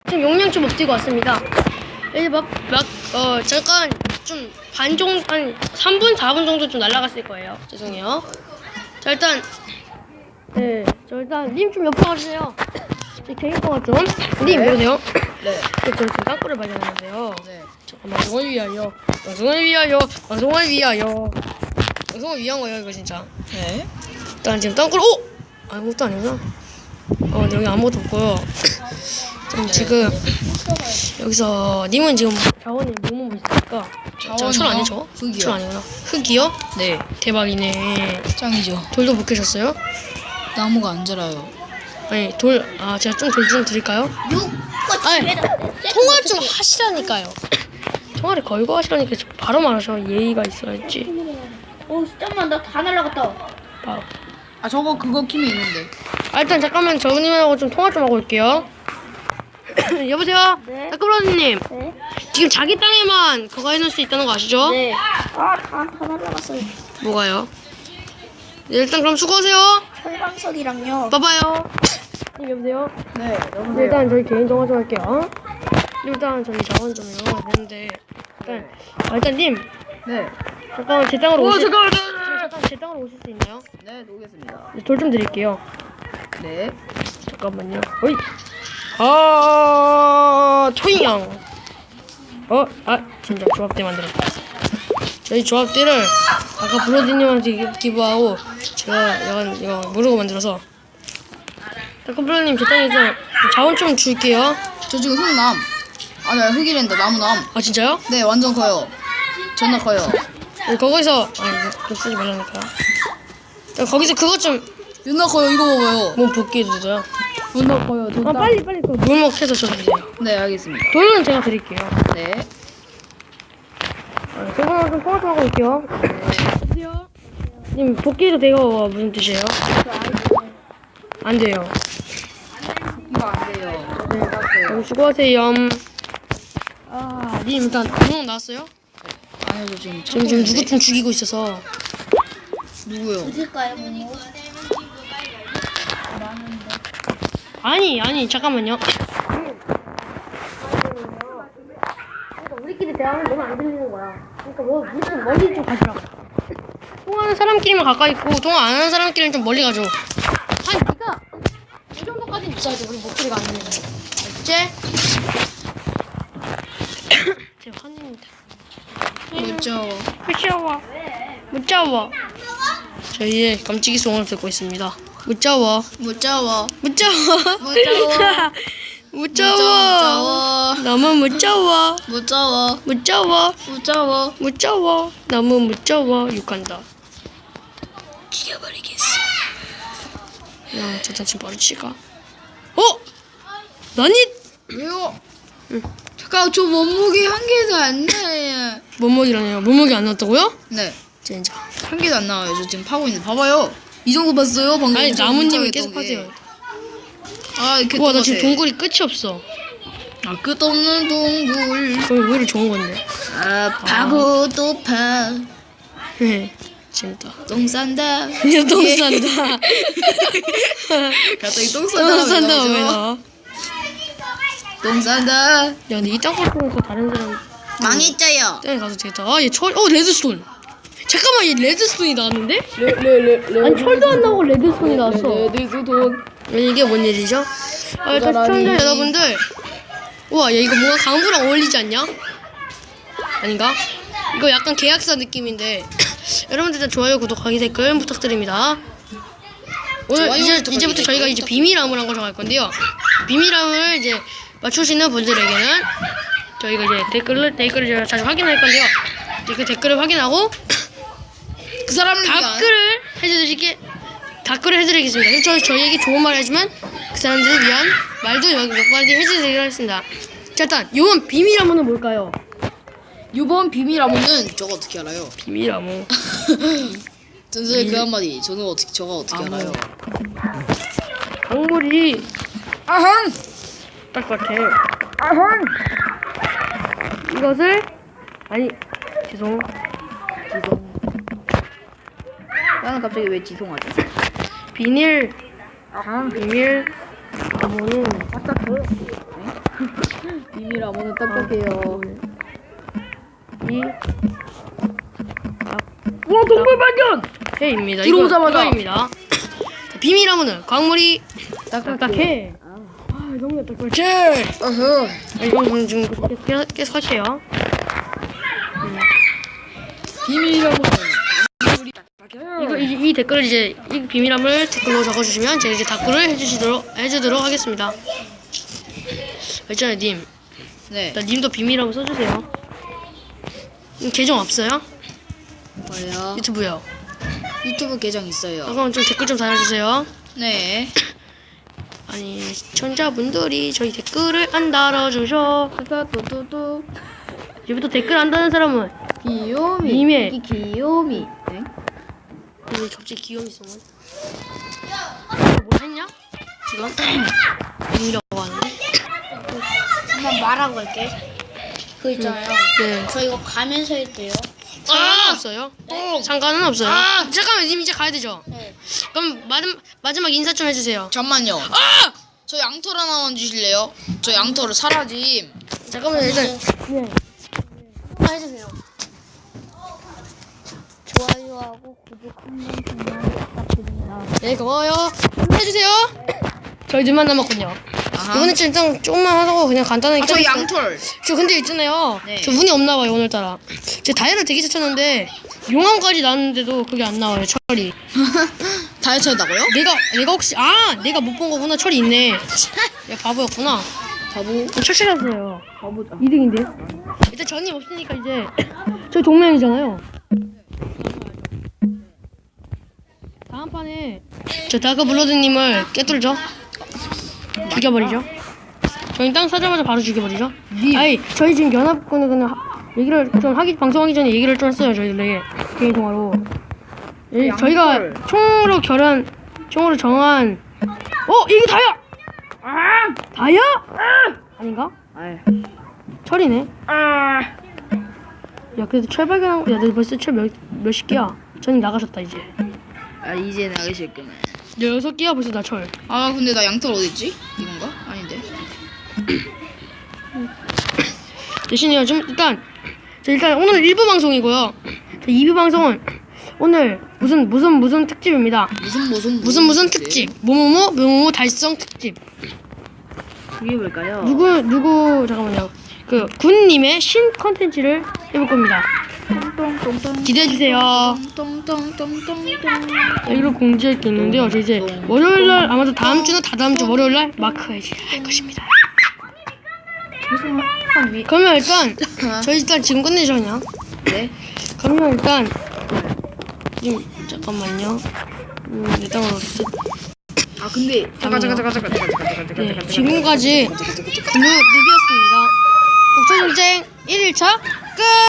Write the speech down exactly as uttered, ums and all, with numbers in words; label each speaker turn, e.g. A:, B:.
A: 지금 용량 좀 없애고 왔습니다. 이제 막, 막, 어, 잠깐 좀 반 정도, 한 삼 분, 사 분 정도 좀 날아갔을 거예요. 죄송해요. 자, 일단, 네, 저 일단 님 좀 옆으로 와주세요. 제 개인 통화 좀. 님,
B: 네.
A: 여보세요?
B: 네.
A: 저 지금 땅굴을 발견했는데요.
B: 네.
A: 잠깐, 방송을 위하여, 방송을 위하여, 방송을 위하여. 방송을 위한 거예요, 이거 진짜.
B: 네.
A: 일단 지금 땅굴, 오! 아무것도 아니구나. 어, 근데 여기 아무것도 없고요. 좀 지금 여기서 님은 지금 자원이 뭐뭐 있을까?
B: 자원이요?
A: 철 아니죠?
B: 흙이요.
A: 철 아니구나. 흙이요?
B: 네.
A: 대박이네.
B: 짱이죠.
A: 돌도 못 캐셨어요?
B: 나무가 안 자라요.
A: 아니 돌, 아 제가 좀 돌 좀 드릴까요? 아니 통화 좀 하시라니까요. 통화를 걸고 하시라니까 좀 바로 말하셔. 예의가 있어야지.
C: 오, 잠깐만, 나 다 날라갔다.
A: 아,
B: 아 저거 그거 키면 있는데.
A: 아 일단 잠깐만 저님하고 좀 통화 좀 하고 올게요. 여보세요?
C: 네.
A: 따끔라님
C: 네.
A: 지금 자기 땅에만 그거 해놓을 수 있다는 거 아시죠?
C: 네. 아, 다, 다 날라갔어요.
A: 뭐가요? 네, 일단 그럼 수고하세요.
C: 철광석이랑요.
A: 봐봐요. 님 여보세요?
B: 네.
A: 네, 일단 저희 개인 통화 좀 할게요. 일단 저희 자원 좀 이용해야 되는데 일단 아, 일단 님
B: 네.
A: 잠깐만 제 땅으로 오실
B: 잠깐만.
A: 잠깐 제 땅으로 오실 수 있나요?
B: 네, 놓겠습니다.
A: 돌 좀 드릴게요.
B: 네.
A: 잠깐만요. 어이. 아, 초인형. 어, 아, 진짜 조합대 만들었다. 저희 조합대를 아까 브로디님한테 기부하고 제가 약간 이거 모르고 만들어서. 컴플러님 제 땅에서 자원 좀 줄게요.
B: 저 지금 흙남. 아니 흙이랜다 나무남.
A: 아 진짜요?
B: 네, 완전 커요. 존나 커요.
A: 네, 거기서 아 이거 그거 쓰지 말라니까. 야, 거기서 그것 좀
B: 존나 커요. 이거 봐봐요.
A: 뭐 붓기 해주세요.
B: 존나 커요.
A: 아 빨리 빨리 그 물먹 해서 줘주세요.
B: 네, 알겠습니다.
A: 돌은 제가 드릴게요.
B: 네.
A: 아, 저번에 좀 통화 좀 하고 올게요. 여보세요? 님 복귀도 되고 무슨 뜻이에요? 안 돼요.
B: 이거 안 돼요.
A: 네, 그럼 수고하세요. 아, 님 일단 구멍 나왔어요?
B: 아니요, 저 지금
A: 지금 지금 누구 좀 죽이고 있어서.
B: 누구요?
C: 어딜까요, 뭐?
A: 아니 아니 잠깐만요. 우리끼리 대화하면 너무 안 들리는 거야. 그러니까 뭐 무슨 멀리 좀 가시라고. 통화하는 사람끼리만 가까이 있고 통화 안 하는 사람끼리는 좀 멀리 가죠. 아니 네가 이 정도까지는 있어야지 우리 목소리가 안 들리는. 알겠지? 제 환입니다.
B: 무서워.
A: 무서워. 무서워. 저희의 깜찍이 송을 듣고 있습니다. 무서워.
B: 무서워.
A: 무서워.
B: 무서워.
A: 무서워. 너무 무서워.
B: 무서워.
A: 무서워.
B: 무서워.
A: 무서워. 너무 무서워. 욕한다. 죽여버리겠어. 야, 저 당신 바로 치가. 어? 나니?
B: 왜요?
A: 응.
B: 잠깐 저 몸무게 한 개도 안 나요.
A: 몸무게라네요. 몸무게 안 나왔다고요?
B: 네.
A: 진짜.
B: 한 개도 안 나와요. 저 지금 파고 있는데 봐봐요. 이 정도 봤어요? 방금
A: 아니
B: 저
A: 나무님이
B: 문자에
A: 계속
B: 떴던 게.
A: 하세요.
B: 아 이렇게
A: 우와 나 지금
B: 똑같아.
A: 동굴이 끝이 없어.
B: 아 끝없는 동굴.
A: 그럼 왜 이렇게 좋은 건데?
B: 아 파고 또 파.
A: 네. 재밌다.
B: 똥 싼다.
A: 이제 똥 싼다.
B: 갑자기 똥
A: 똥
B: 싼다.
A: 싼다 왜
B: 왜 나오죠?
A: 나와?
B: 똥 싼다.
A: 야 근데 이 땅굴 통해서 다른 사람
B: 망했자요.
A: 땅에 가서 되겠다. 아얘 철, 어 레드스톤. 잠깐만 얘 레드스톤이 나왔는데?
B: 레레레.
A: 아니 철도 안 나오고 레드스톤이 나왔어.
B: 레드스톤.
A: 이게 뭔 일이죠? 아, 일단 시청자 여러분들, 우와, 야 이거 뭔가 강구랑 어울리지 않냐? 아닌가? 이거 약간 계약서 느낌인데 여러분들 일단 좋아요, 구독하기, 댓글 부탁드립니다. 오늘
B: 좋아요,
A: 이제
B: 구독하기,
A: 이제부터 저희가
B: 댓글
A: 이제 비밀함을 한 거 정할 건데요. 비밀함을 이제 맞추시는 분들에게는 저희가 이제 댓글을 댓글을 제가 자주 확인할 건데요. 이제 그 댓글을 확인하고
B: 그 사람을 위한
A: 댓글을 해드리게 댓글을 해드리겠습니다. 그럼 저희 저희에게 좋은 말 해주면 그 사람들을 위한 말도 몇 마디 해드리도록 하겠습니다. 자 일단 이번 비밀함은 뭘까요?
B: 이번 비밀함은 저거 어떻게 알아요?
A: 비밀함은
B: 전설의 그 한마디. 저는 어떻게 저가 어떻게
A: 암호.
B: 알아요?
A: 강물이
B: 아항.
A: 딱딱해.
B: 아항.
A: 이것을 아니 죄송
B: 지송. 나는 갑자기 왜 지송하지?
A: 비닐 비밀 암호는 딱딱해.
B: 비밀함은 딱딱해요.
A: 이 와 동물 발견! 해입니다.
B: 들어오자마자.
A: 이거입니다. 비밀함은 광물이 딱딱해. 아 너무 딱딱해.
B: 어허.
A: 이건 지금 계속, 계속 하세요.
B: 비밀함은
A: 이거 이, 이 댓글을 이제 이 비밀함을 댓글로 적어주시면 제가 이제 답글을 해주시도록 해주도록 하겠습니다. 있잖아요, 님.
B: 네.
A: 나 님도 비밀함 써주세요. 님 계정 없어요?
B: 뭐요?
A: 유튜브요.
B: 유튜브 계정 있어요.
A: 아, 그럼 좀 댓글 좀 달아주세요.
B: 네.
A: 아니 시청자분들이 저희 댓글을 안 달아주셔.
B: 또또또
A: 여기부터 댓글 안 다는 사람은
B: 귀요미.
A: 님의-
B: 이 귀요미. 네?
A: 왜 갑자기 귀요미 성은? 뭐 했냐? 지금? 비밀이라고 하는데?
C: 한번 말하고 갈게. 그 있잖아요.
A: 네.
C: 저 이거 가면서 했대요.
A: 상관은 없어요. 상관은 없어요.
B: 아!
A: 잠깐만 님 이제 가야 되죠?
C: 네.
A: 그럼 마지막, 마지막 인사 좀 해주세요.
B: 잠만요. 아! 저 양털 하나만 주실래요? 저 양털을 사라짐.
A: 잠깐만 일단 네. 한번 해주세요.
C: 좋아요하고 구독 한 번씩만 부탁드립니다.
A: 네 고마워요. 해주세요. 저희 둘만 남았군요.
B: 아하.
A: 이번에 좀 일단 조금만 하고 그냥 간단하게
B: 아, 저
A: 끝냈어요.
B: 양털.
A: 저 근데 있잖아요.
B: 네.
A: 저 운이 없나 봐요 오늘따라. 제 다이아를 되게 찾았는데 용암까지 나왔는데도 그게 안 나와요 철이.
B: 다이어트 한다고요?
A: 내가 내가 혹시 아 내가 못 본 거구나 철이 있네. 야 바보였구나.
B: 바보.
A: 철 찾았어요.
B: 바보다.
A: 이 등인데. 일단 전이 없으니까 이제 저희 동맹이잖아요. 다음 판에 저 다크 블러드님을 깨뚫죠. 죽여버리죠. 저희 땅 사자마자 바로 죽여버리죠. 아이 저희 지금 연합군에 그냥 하- 얘기를 좀 하기 방송하기 전에 얘기를 좀 했어요 저희들 개인 통화로. 예, 저희가 총으로 결한 총으로 정한 어 이게 다야. 아 다야? 아! 아닌가?
B: 아이.
A: 철이네. 아. 야 그래도 철 발견한 거. 야 너 벌써 철 몇 몇십 개야? 전이 나가셨다 이제.
B: 아 이제 나가실거네.
A: 여섯 개야 벌써 나 철.
B: 아 근데 나 양털 어딨지? 이건가? 아닌데.
A: 대신에요 좀 일단 저 일단 오늘 일 부 방송이고요. 저 이 부 방송은 오늘 무슨 무슨 무슨 특집입니다.
B: 무슨 무슨
A: 무슨 무슨 특집 뭐뭐뭐 뭐뭐 달성 특집.
B: 그게 뭘까요?
A: 누구 누구 잠깐만요. 그 군님의 신 컨텐츠를 해볼 겁니다.
B: 똥똥똥똥.
A: 기대해 주세요.
B: 똥똥똥똥똥.
A: 여기로 공지할 게 있는데요. 저 이제 월요일 날 아마도 다음 주나 다다음 주 월요일 날 마크해지 할 것입니다. 그러면 일단 저희 일단 지금 끝내죠 그냥.
B: 네.
A: 그러면 일단 지금 잠깐만요. 음, 일단 어디?
B: 아 근데 잠깐 잠깐 잠깐 잠깐 잠깐 잠깐 잠깐
A: 네,
B: 잠깐
A: 지금까지 블루 누비였습니다. 국토전쟁 일 일차 끝.